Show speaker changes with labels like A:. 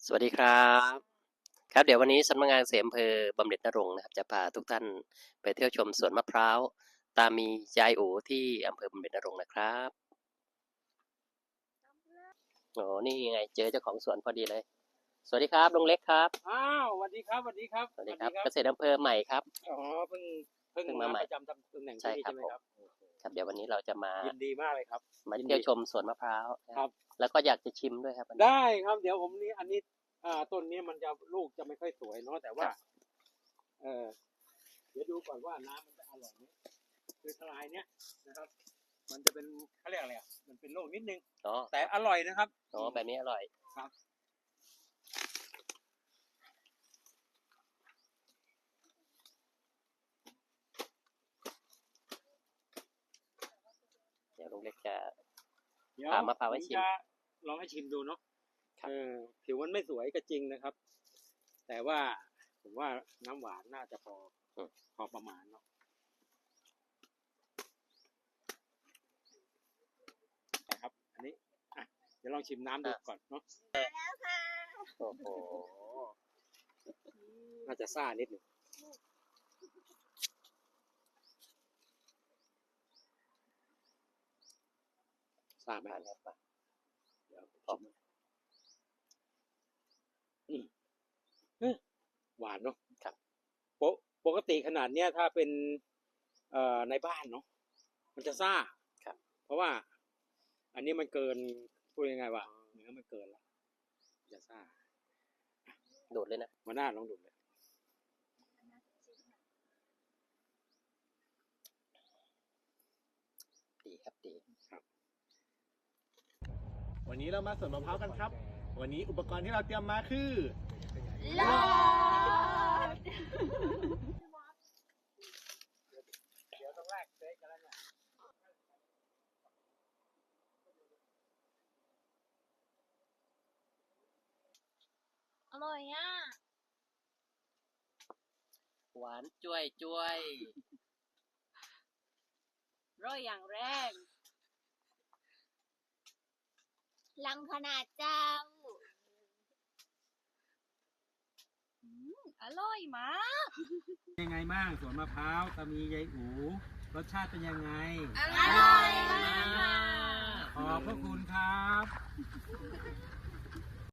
A: สวัสดีครับครับเดี๋ยววันนี้สำนักงานเกษตรอำเภอบำเหน็จนรงค์นะครับจะพาทุกท่านไปเที่ยวชมสวนมะพร้าวตามียายโอที่อำเภอบำเหน็จนรงค์นะครับโอ้นี่ยังไงเจอเจ้าของสวนพอดีเลยสวัสดีครับลุงเล็กครับ
B: อ้าวสวัสดีครับสวัสดีครับ
A: สวัสดีครับเกษตรอำเภอใหม่ครับ
B: อ๋อเพิ่ง
A: มาใหม่
B: ประจำตำแหน่ง
A: ใช่
B: ที่นี่
A: ครับ
B: ใช่ไหม
A: ผม
B: ครับ
A: ครับเดี๋ยววันนี้เราจะมา
B: ยินดีมากเลยครับ
A: มาเที่ยวชมสวนมะพร้าว
B: ครับ
A: แล้วก็อยากจะชิมด้วยครับวันนี้
B: ได้ครับเดี๋ยวผมนี่อันนี้ต้นนี้มันจะลูกจะไม่ค่อยสวยเนาะแต่ว่าเดี๋ยวดูก่อนว่าน้ำมันจะอร่อยไหมคือทลายเนี้ยนะครับ มันจะเป็นเขาเรียกอะไรอ่ะมันเป็นโรคนิดนึง
A: อ๋อ
B: แต่อร่อยนะครับ
A: อ๋อแบบนี้อร่อย
B: ครับ
A: เดี๋ยวลุงเล็กจะ
B: เดี๋ยว
A: พามะพร้าวให้ชิม
B: จะลองให้ชิมดูเนาะ
A: ครับ
B: ผิวมันไม่สวยก็จริงนะครับ แต่ว่าผมว่าน้ำหวานน่าจะพอประมาณเนาะนะครับอันนี้เดี๋ยวลองชิมน้ำดูก่อนเนาะ
A: โอ้โห
B: น่าจะซ่านิดหนึ่งซ่าไหม
A: ผ่านครับ
B: เดี๋ยว
A: ออก
B: หวานเนาะ
A: ครับ
B: ปกติขนาดเนี้ยถ้าเป็นในบ้านเนาะมันจะซ่า
A: ครับ
B: เพราะว่าอันนี้มันเกินพูดยังไงวะเนื้อมันเกินแล้วจะซ่า
A: โดดเลยนะ
B: มาหน้าลองดูเลย
A: ดีครับดี
C: วันนี้เรามาสวนมะพร้าวกันครับ วันนี้อุปกรณ์ที่เราเตรียมมาคือ
D: ลอด
B: เดี๋ยวต้องแรกเซ็กกันแล้วเนี่ย
D: อร่อยอ่ะ
A: หวานจ้วยจ้วย
D: ร่อยอย่างแรงลังขนาดเจ้าอร่อยมาก
B: ยังไงบ้างสวนมะพร้าวตามียายอูรสชาติเป็นยังไง
D: อร่อยมาก
B: ขอบพระคุณครับ